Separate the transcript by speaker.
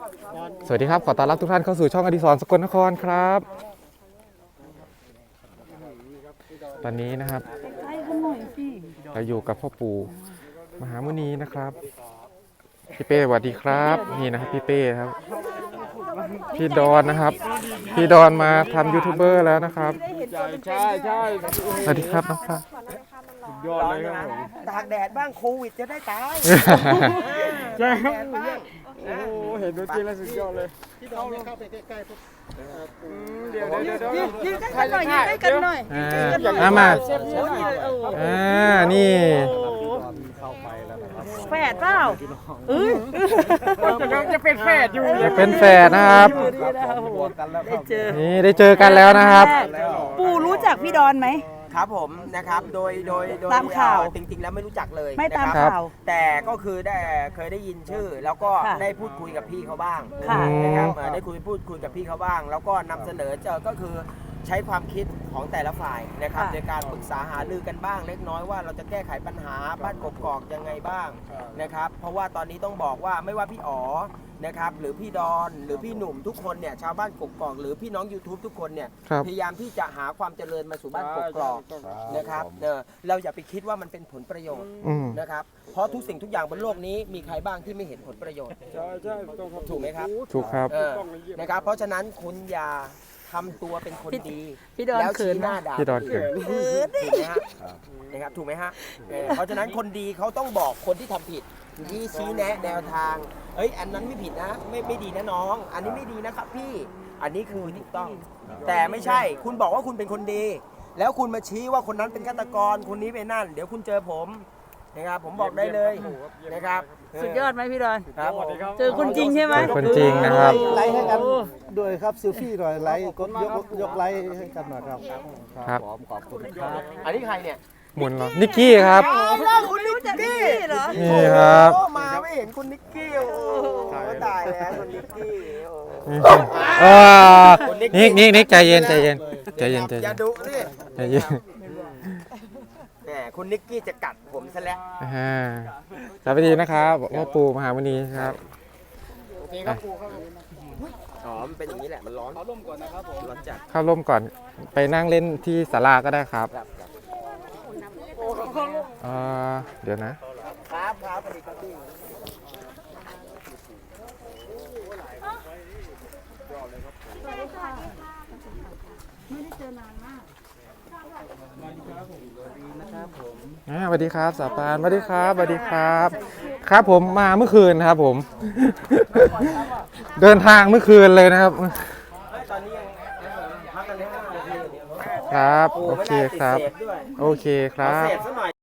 Speaker 1: สวัสดีครับขอต้อนรับทุกท่านเข้าสู่ช่องอดิศรสกลนครครับตอนนี้นะครับเราอยู่กับพ่อปู่มหามุนีนะครับพี่เป้สวัสดีครับนี่นะครับพี่เป้ครับพี่ดอนนะครับพี่ดอนมาทำยูทูบเบอร์แล้วนะครับ
Speaker 2: ใช่
Speaker 1: สวัสดีครับน้องฟ้าย
Speaker 2: อดเลยครับผมตากแดดบ้างโควิดจะได้ตายใช่ครับโอ้เห็นตัวจริงแล้วสุดยอดเลยพี่ดอนเข้าไปใกล้ๆปุ๊บเดี๋ยว
Speaker 3: ยืนใกล้กันหน่อยยืนใกล้กันหน่อย
Speaker 1: มานี่
Speaker 3: แฝดเปล่า
Speaker 2: จะเป็นแฝดอยู่
Speaker 1: จะเป็นแฝดนะครับนี่ได้เจอกันแล้วนะครับ
Speaker 3: ปู่รู้จักพี่ดอนไหม
Speaker 2: ครับผมนะครับโดย
Speaker 3: ตามข่าว
Speaker 2: จริงๆแล้วไม่รู้จักเลย
Speaker 3: ไม่ตามข่าว
Speaker 2: แต่ก็คือได้เคยได้ยินชื่อแล้วก็ได้พูดคุยกับพี่เขาบ้าง
Speaker 3: นะครับ
Speaker 2: ได้พูดคุยกับพี่เขาบ้างแล้วก็นำเสนอก็คือใช้ความคิดของแต่ละฝ่ายนะครับในการปรึกษาหารือกันบ้างเล็กน้อยว่าเราจะแก้ไขปัญหาบ้านกกอกยังไงบ้างนะครับเพราะว่าตอนนี้ต้องบอกว่าไม่ว่าพี่อ๋อนะครับหรือพี่ดอนหรือพี่หนุ่มทุกคนเนี่ยชาวบ้านกกอกหรือพี่น้อง YouTube ทุกคนเนี่ยพยายามที่จะหาความเจริญมาสู่บ้านกกอกนะครับเราอย่าไปคิดว่ามันเป็นผลประโยชน์นะครับเพราะทุกสิ่งทุกอย่างบนโลกนี้มีใครบ้างที่ไม่เห็นผลประโยชน์ใช่ถูกไหมครับ
Speaker 1: ถูกครับ
Speaker 2: นะครับเพราะฉะนั้นคุณอย่าทำตัวเป็นคนดี
Speaker 3: แล้ว
Speaker 2: ชี้หน้าด่า
Speaker 1: พี่ดอนเขิน
Speaker 2: ถูกไหมฮะนะครับถูกไหมฮะเพราะฉะนั้นคนดีเขาต้องบอกคนที่ทำผิดที่ชี้แนะแนวทางอันนั้นไม่ผิดนะไม่ดีนะน้องอันนี้ไม่ดีนะครับพี่อันนี้คือถูกต้องแต่ไม่ใช่คุณบอกว่าคุณเป็นคนดีแล้วคุณมาชี้ว่าคนนั้นเป็นฆาตกรคนนี้เป็นนั่นเดี๋ยวคุณเจอผมนะครับผมบอกได้เลยนะครับ
Speaker 3: สุดยอดไหมพี่ดอน
Speaker 2: ครับ
Speaker 3: เจอคนจริงใช่ไหม
Speaker 1: คนจริงนะครับ
Speaker 4: ไลค์ให้กันด้วยครับซิลฟี่หน่อยไลค์กดยกไลค์ให้กันหน่อยครับ
Speaker 1: ครับ
Speaker 4: ขอบคุณครับ
Speaker 2: อันนี้ใครเนี่ย
Speaker 1: หมุนเหรอนิกกี้ครับ
Speaker 2: คุณนิกกี้
Speaker 3: เหรอ
Speaker 1: นี่ครับ
Speaker 2: มาไม่เห็นคุณนิกกี้โอ้ตายแล้วคุณนิกกี้
Speaker 1: นิกใจเย็น
Speaker 2: อย่าดุนี่
Speaker 1: ใจเย็น
Speaker 2: แหมคุณนิกกี้จะกัดผมซะแล้ว
Speaker 1: สวัสดีนะครับพ่อปู่มหามุนีครับ
Speaker 2: โอเคครับปู่ครับอ๋อมันเป็นอย่างนี้แหละมันร้อนเข้าร่มก่อนนะครับผมร้อนจัด
Speaker 1: เข้าร่มก่อนไปนั่งเล่นที่ศาลาก็ได้ครับเดี๋ยว
Speaker 2: นะครับสวัสดีครับพี่
Speaker 3: ไม่ได้เจอนานมาก
Speaker 1: สวัสดีครับสาปานสวัสดีครับครับผมมาเมื่อคืนครับผมเดินทางเมื่อคืนเลยนะครับครับโอเคครับ